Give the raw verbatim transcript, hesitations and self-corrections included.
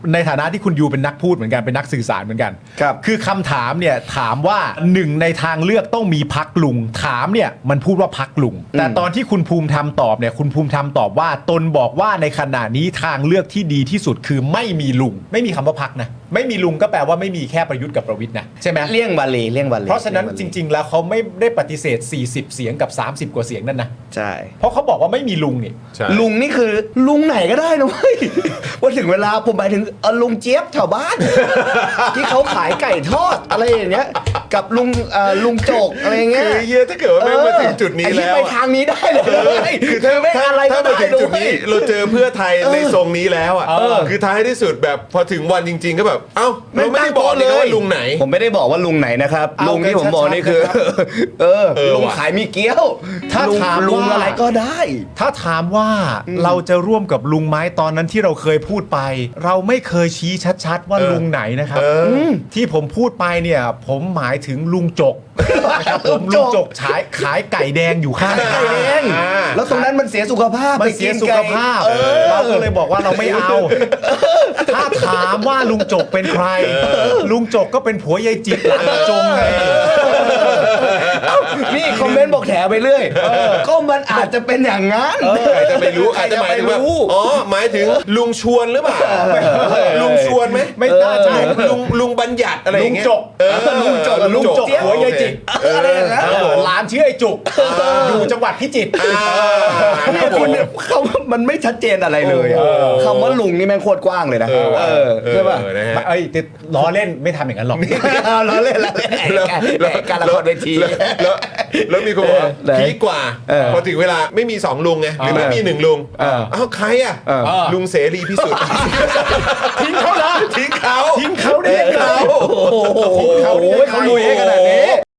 ในฐานะที่คุณยูเป็นนักพูดเหมือนกันเป็นนักสื่อสารเหมือนกันครับคือคำถามเนี่ยถามว่าหนึ่งในทางเลือกต้องมีพักลุงถามเนี่ยมันพูดว่าพักลุงแต่ตอนที่คุณภูมิธรรมตอบเนี่ยคุณภูมิธรรมตอบว่าตนบอกว่าในขณะนี้ทางเลือกที่ดีที่สุดคือไม่มีลุงไม่มีคำว่าพักนะไม่มีลุงก็แปลว่าไม่มีแค่ประยุทธ์กับประวิตรนะใช่ไหมเลี่ยงบาลีเลี่ยงบาลีเพราะฉะนั้นจริง ๆ แล้วเขาไม่ได้ปฏิเสธสี่สิบเสียงกับสามสิบกว่าเสียงนั่นนะใช่เพราะเขาบอกว่าไม่มีลุงนี่ใช่ลุงนี่คือลุงไหนก็ได้นะเว้ย ว่าถึงเวลาผมหมายถึงเอ่อลุงเจี๊ยบแถวบ้าน ที่เขาขายไก่ทอดอะไรอย่างเงี้ยกับลุงเอ่อลุงโจกอะไรอย่างเงี้ยคือเฮียถ้าเกิดว่าแม่งมาถึงจุดนี้ไอ้ที่แล้วไปทางนี้ได้เลยคือถ้าไม่ถ้าอะไรก็ถ้าได้มาถึงจุดนี้เลยเราเจอเพื่อไทยในทรงนี้แล้วอ่ะเออคือท้ายที่สุดแบบพอถึงวันจริง ๆ ก็แบบเอ้าไม่เราไม่ได้ตั้งบอกโต๊ะเลยเลยว่าลุงไหนผมไม่ได้บอกว่าลุงไหนนะครับเอาลุงที่ผมบอกนี่กันชัดๆคือนะครับเออเออลุงว่ะขายมีเกี๊ยวถ้าลุงถามลุงว่าอะไรก็ได้ถ้าถามว่าเราจะร่วมกับลุงไหมตอนนั้นที่เราเคยพูดไป เราไม่เคยชี้ชัดๆ ว่าเออลุงไหนนะครับเอออืมที่ผมพูดไปเนี่ย ผมหมายถึงลุงจกนะครับผมลุลุงงจจกกขายขายไก่แดงอยู่ข้างไก่แดงอ่าแล้วตรงนั้นมันเสียสุขภาพมันไปเสีกิยนสุขไก่ภาพเออเราก็เลยบอกว่าเราไม่เอา ถ้าถามว่าลุงจกเป็นใคร ลุงจกก็เป็นผัวยายจิตหลานตาจงไงนี่คอมเมนต์บอกแถไปเรื่อยก็มันอาจจะเป็นอย่างนั้นใครจะไปรู้ใครอาจจะจะหมายไปถึงว่ารู้อ๋อหมายถึงลุงชวนหรือเปล่าลุงชวนไหมไม่น่าใช่ลุงลุงลุงบัญญัติอะไรอย่างเงี้ยลุงจกเออลุงจกลุงจกผัวยายจิตเอออะไรอย่างนั้นเออหลานชื่อไอ้จุกอยู่จังหวัดพิจิตรนี่คุณเนี่ยเขามันไม่ชัดเจนอะไรเลยอะเออคำว่าลุงนี่แม่งโคตรกว้างเลยนะเออว่ะเออใช่ป่ะเออนะฮะเอ้ยแต่ล้อเล่นไม่ทำอย่างนั้นหรอกเราเล่นเราเล่นแล้วแหมการละครเวทีแล้วแล้วแล้วมีคนบอกว่าไหนพีคกว่าเออพอถึงเวลาไม่มีสองลุงไงหรือไม่มีหนึ่งลุงเออเอ้าใครอ่ะเออลุงเสรีพิสุทธิ์ทิ้งเขาละทิ้งเขาทิ้งเขาได้ยังไงโอ้โหทิ้งเขาได้ยังไงเขาลุยให้ขนาดนี้